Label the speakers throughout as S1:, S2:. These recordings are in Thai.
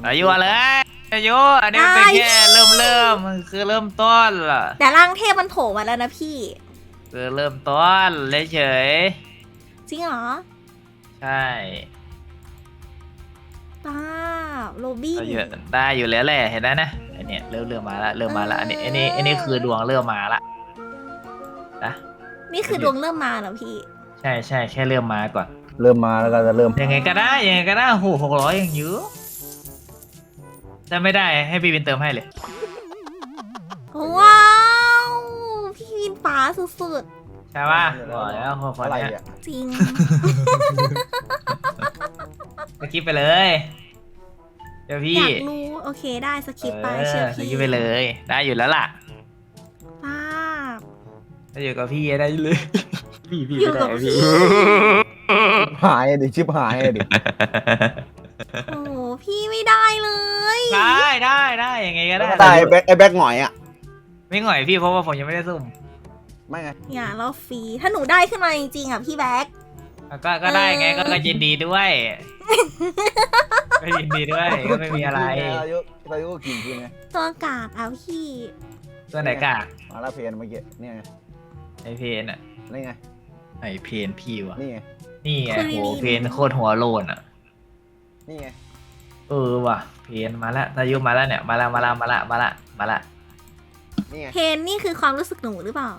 S1: อายุเลยอายุอันนี้เป็นแค่เริ่มคือเริ่มต้นล่ะ
S2: แต่ร่างเทพมันโผล่มาแล้วนะพี่
S1: คือเริ่มต้นเฉย
S2: จริงเหรอ
S1: ใช่
S2: ป้าโรบิน
S1: เราเยอะได้อยู่แล้วแหละเห็นไหมนะอันเนี้ยเริ่มมาละเริ่มมาละอันนี้คือดวงเริ่มมาละนะ
S2: นี่คือดวงเริ่มมาเหรอพี่
S1: ใช่แค่เริ่มมาก่อน
S3: เริ่มมาแล้วก็จะเริ่ม
S1: ยังไงก็ได้โห600ยังเยอะถ้าไม่ได้ให้พี่วินเติมให้เลย
S2: ว้าวพี่วินป๋าสุด
S1: ใช่ป่ะบอกแล้วคน
S3: อะไร
S1: เนี้ย
S3: อ่ะ
S2: ๆจริง
S1: สกิปไปเลยเดี๋ยวพี่
S2: อยากรู้โอเคได้สคริปต์ไปเชื่อ
S1: ส
S2: พี่
S1: กิปไปเลยได้อยู่แล้วล่ะ
S2: ป้า
S1: ถ้าอยู่กับพี่ได้เลย พี่
S2: อยู่
S1: ไม่
S2: กับ
S1: ได้
S2: พี่
S1: พี่
S3: หายดิชิบหายดิ
S2: โอ้โหพี่ไม่ได้เลย
S1: ได้ยังไงก็ได้
S3: ตายไอ้แบ็คหงอยอ่ะ
S1: ไม่หง่อยพี่เพราะว่าผมยังไม่ได้สุ่ม
S3: ไม่ไง
S2: อย่าเราฟรีถ้าหนูได้ขึ้นมาจริงๆอ่ะพี่แบ๊ก
S1: ก็ได้ไงก็ยินดีด้วยก็ยินดีด้วยก็ไม่มีอะไร
S3: อายุก็กินกินไง
S2: ตัวกากเอาพี่
S1: ตัวไหนกาก
S3: มาลาเพนเมื่อกี้เนี่ยไง
S1: ไอเพนอะ
S3: นี่ไง
S1: ไอเพนพี่วะ
S3: นี่ไง
S1: นี่ไงโหเพนโคตรหัวโลนอะ
S3: นี่ไง
S1: ว่ะเพนมาแล้วอายุมาแล้วเนี่ยมาละ
S3: นี่ไง
S2: เพนนี่คือความรู้สึกหนูหรือเปล่า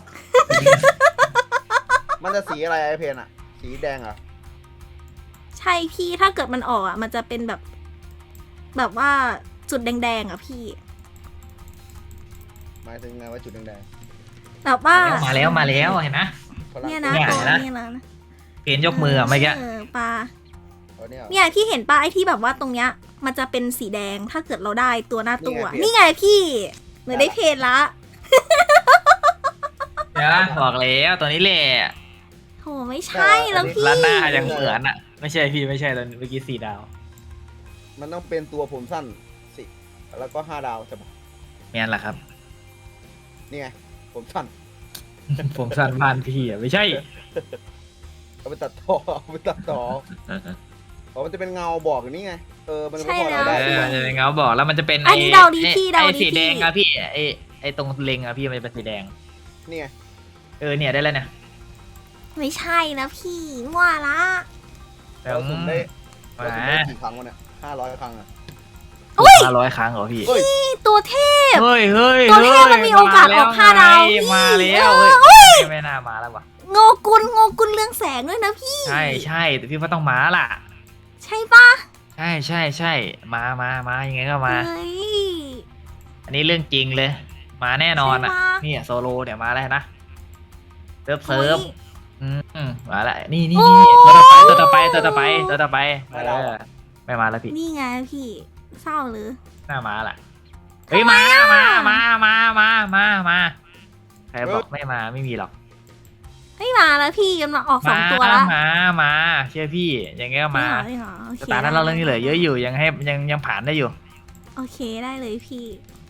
S3: มันจะสีอะไรไอ้เพนอ่ะสีแดงอ่ะ
S2: ใช่พี่ถ้าเกิดมันออกอ่ะมันจะเป็นแบบว่าจุดแดงๆอ่ะพี่
S3: หมายถึงไงว่าจุดแดง
S2: แบบว่า
S1: มาแล้วเห็นนะ
S3: ๆพลัง
S2: เนี่ยนะ
S1: เนี่ย
S2: ตัว
S1: นะ
S2: เนี่ยนะ
S1: เพนยกมืออะเมื่อกี้
S2: ปลา
S3: เนี่ย
S2: เนี่ยพี่เห็นปลาไอ้ที่แบบว่าตรงเนี้ยมันจะเป็นสีแดงถ้าเกิดเราได้ตัวหน้าตัว
S3: นี่ไง
S2: นี่ไงพี่หนูได้เพนละ
S1: เดี๋ยวนะบอกแล้วตัวนี้แหละ
S2: โหไม่ใช่แล้วพี่
S1: ร้านหน้ายังเหมือนอะไม่ใช่พี่ไม่ใช่ตอนเมื่อกี้4 ดาว
S3: มันต้องเป็นตัวผมสั้นสิแล้วก็5 ดาวใช่ปะ
S1: แม่นแหละครับ
S3: นี่ไงผมสั้น
S1: ผมสั้นบ้านพี่อะไม่ใช่
S3: เอาไปตัดต่อเอาไปตัดต่อเพราะมันจะเป็นเงาบอกอย่างนี้ไงมันจะ
S2: ใช่
S3: พอ
S2: แล้
S3: เรา
S2: ว
S3: ได้
S1: มันจะเป็นเงาบอกแล้วมันจะเป็น
S2: อันนี้เดาดีพี่เดา
S1: ไอ้
S2: ดี
S1: สีแดง
S2: พี่
S1: อะพี่ไอ้ตรงเล็งอะพี่มันจะเป็นสีแดง
S3: นี่ไง
S1: เนี่ยได้แล้วเนี่ย
S2: ไม่ใช่นะพี่มั่วละ
S3: เราสุ่มได้
S1: มา
S3: เราสุ่มได้กี่ครั้งวะเนี่ย500 ครั้งอ่ะ
S1: 500 ครั้งเหรอพี่
S3: เฮ้ย
S2: นี่ตัวเทพ
S1: เฮ้ย
S2: ตัวเทพมันมีโอกาสออก5 ดาวพี่
S1: มาแล้ว
S2: เฮ้ย
S1: ไม่น่ามาแล้ววะ
S2: โงกุลเรืองแสงด้วยนะพี่
S1: ใช่แต่พี่ว่าต้องมาล่ะ
S2: ใช่ปะ
S1: ใช่มายังไงก็มา
S2: เฮ้ย
S1: อันนี้เรื่องจริงเลย มาแน่นอนอ่ะ
S2: ใช่ปะ
S1: นี่โซโลเนี่ยมาแล้วนะเซิร์ฟ
S2: โอ้ย
S1: มาแล้วนี่
S2: โอ้
S1: ตัวต่อไปไม่มาแล้วพี่
S2: นี่ไงพี่เศร้าหรือ
S1: หน้ามาล่ะเฮ้ยมาใครบอกไม่มาไม่มีหรอก
S2: ไม่มาแล้วพี่กำลังออก2 ตัวแล้ว
S1: มาเชื่อพี่ยังไงก็มา
S2: จริงเหรอโอเค
S1: สตาร์ทเราเรื่องนี้เหลือเยอะอยู่ยังผ่านได้อยู่
S2: โอเคได้เลยพี่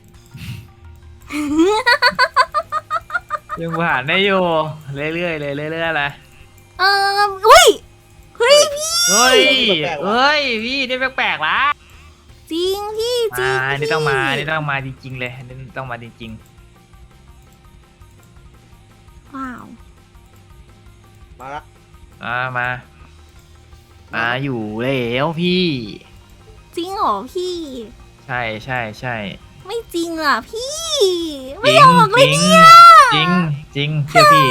S1: ยังผ่านได้อยู่เรื่อยๆเลยเลย
S2: อุ้ยเฮ้ยพี่
S1: เฮ้ยพี่นี่แปลกๆละ
S2: จริงพี่จริง
S1: นี่
S2: พี่
S1: ต้องมาจริงๆเลยนี่ต้องมาจริง
S2: ว้าว
S3: มาละ
S1: ๆมาอยู่แล้วพี่
S2: จริงเหรอพี่
S1: ใช่
S2: ไม่จริงอ่ะพี่
S1: จ
S2: ไม่
S1: ริง
S2: ออกเลยเนี่ย
S1: จริงเชื่อพี่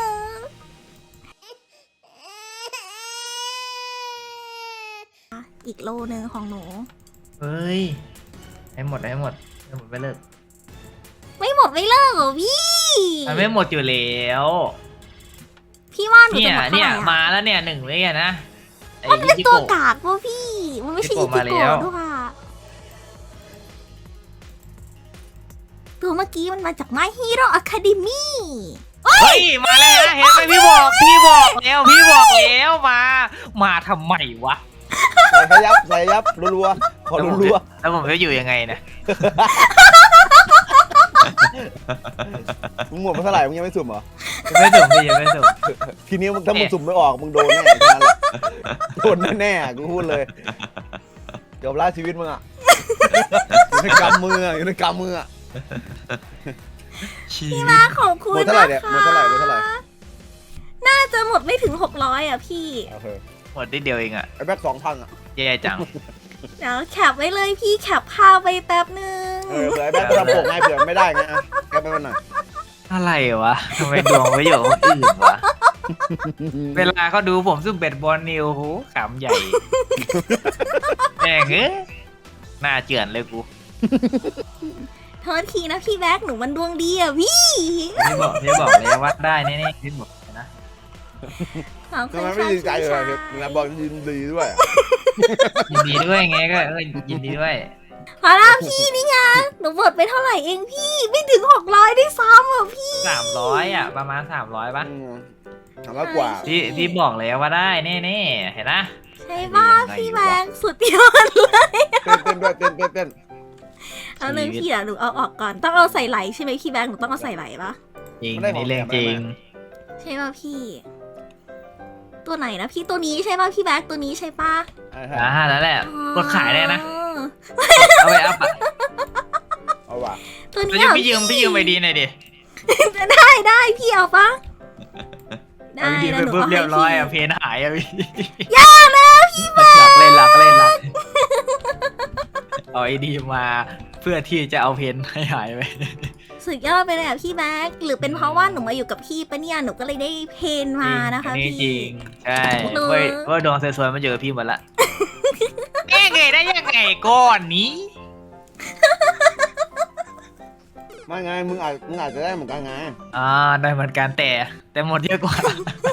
S2: อีกโลนึงของหนู
S1: เฮ้ยให้หมดไปเลิก
S2: ไม่หมดไม่เลิกเหรอพี่
S1: มันไม่หมดอยู่แล้ว
S2: พี่ว่าหนู
S1: เนี่
S2: จะ
S1: ย
S2: หมดเท่าไหร่อะ
S1: มาแล้วเนี่ย1เลยอะนะไอ้
S2: มันเป็น
S1: ยิ
S2: ตัว
S1: โกะ
S2: กากวะพี่ มันไม่ใช่
S1: อิ
S2: อิ
S1: จิ
S2: จิ
S1: โกะมาแล้ว
S2: โกะด้วยค่ะตัวเมื่อกี้มันมาจาก My Hero Academy
S1: เฮ้ยมาแล้วนะเห็นไหมพี่บอกแล้วมาทำไมวะ
S3: ใส่ยับรัวๆขอรัว
S1: แล้วผมจะอยู่ยังไงนะ
S3: ๆมึงหมดมาเท่าไหร่มึงยังไม่สุ่มเหรอ
S1: ยังไม่สุ่ม
S3: ทีนี้มึงถ้ามึงสุ่มไม่ออกมึงโดนแน่แค่นั้นแหละโดนแน่ๆกูพูดเลยจบแล้วชีวิตมึงอ่ะ อยู่ในกำมืออะอยู่ในกำมืออ่ะ
S2: พี่มาขอบคุณ
S3: หมดเท่าไหร่
S2: นะ
S3: เนี่ย
S2: คะ
S3: หมดเท่าไหร่หมดเท่าไหร่
S2: น่าจะหมดไม่ถึง600อ่ะพี่
S3: โอเค
S1: หมดนิดเดียวเองอะ
S3: ไอ้แบ็ค2,000อ่ะ
S1: แย่จัง
S2: เดี๋ยวแคปไว้เลยพี่แคปภาพไปแป๊บนึง
S3: เผื่อไอ้แบ็คไปทำผมไงเผื่อไม่ได้ไงอ่ะแกไปมันหน่อย
S1: อะไรวะทำไมดวงไม่อยู่กับคนอื่นวะ เวลาเขาดูผมซึ่งเป็ดบอลนิวโหขำใหญ่ แม่งเอ้ยหน้าเจือนเลยกู
S2: โทษทีนะพี่แบ็คหนูมันดวงดีอ่ะพี่
S1: พี่บอกเลยว่าได้แน่ๆพี่บอกเลยนะ
S2: ขอบคุ
S3: ทำ
S2: ณ
S3: ไมไม่
S2: ค่ะ
S3: ดีใจ
S2: พี่
S3: เลย
S2: ชา
S3: เนี่ยนะบอกยินดีด้วยอะ
S1: ยินดีด้วยไงก็ยินดีด้วย
S2: พอแล้วพี่นี่ไงหนูหมดไปเท่าไหร่เองพี่ไม่ถึง600ได้ซ้ำอ่ะพี่
S1: 300อ่ะประมาณ300ป่ะ
S3: 300 กว่า
S1: พี่บอกเลยว่าได้แน่ๆเห็นนะ
S2: ใช่ป่ะพี่แบ็คสุดยอดเลย
S3: เต้นด้วยเต้น
S2: เอาเลยพี่เดี๋ยวหนูเอาออกก่อนต้องเอาใส่ไหลใช่ไหมพี่แบ็คหนูต้องเอาใส่ไหลปะ
S1: จริงนี่เรื่องจริง
S2: ใช่ป่ะพี่ ตัวไหนนะพี่ตัวนี้ใช่ป่ะพี่แบ็คตัวนี้ใช่ป่ะ
S1: นั่นแหละ
S2: อ๋อก
S1: ดขายได้นะเอาไปอัพอะ
S3: เอาว่ะ
S2: ตัว
S1: เรา
S2: นี้
S1: จะ
S2: เหรอ
S1: พี่ยืมไปดีหน่อยดิ
S2: ได้พี่เอาปะได้
S1: เอาดีไป
S2: นะหนู
S1: ปุ๊บ
S2: เอา
S1: เรี
S2: ให้
S1: ยบร้อย
S2: พี่
S1: อะเพนหายอะพี่
S2: อย่านะพี่แบ็ค
S1: หลักเล่นหลักเอาไอดีมาเพื่อที่จะเอาเพนให้หายไป
S2: สุดยอดไปเลยอ่ะพี่แบ็คหรือเป็นเพราะว่าหนูมาอยู่กับพี่ปะเนี่ยหนูก็เลยได้เพนมานะคะ
S1: อั
S2: พี่
S1: จริงใช่
S2: หนู
S1: ว่าดวงสวยๆมาเจอพี่หมดละเอ๊ะไงได้ยังไงก้อนนี้
S3: ไม่ไงมึงอาจจะได้เหมือนกันไง
S1: ได้เหมือนกันแต่หมดเยอะกว่า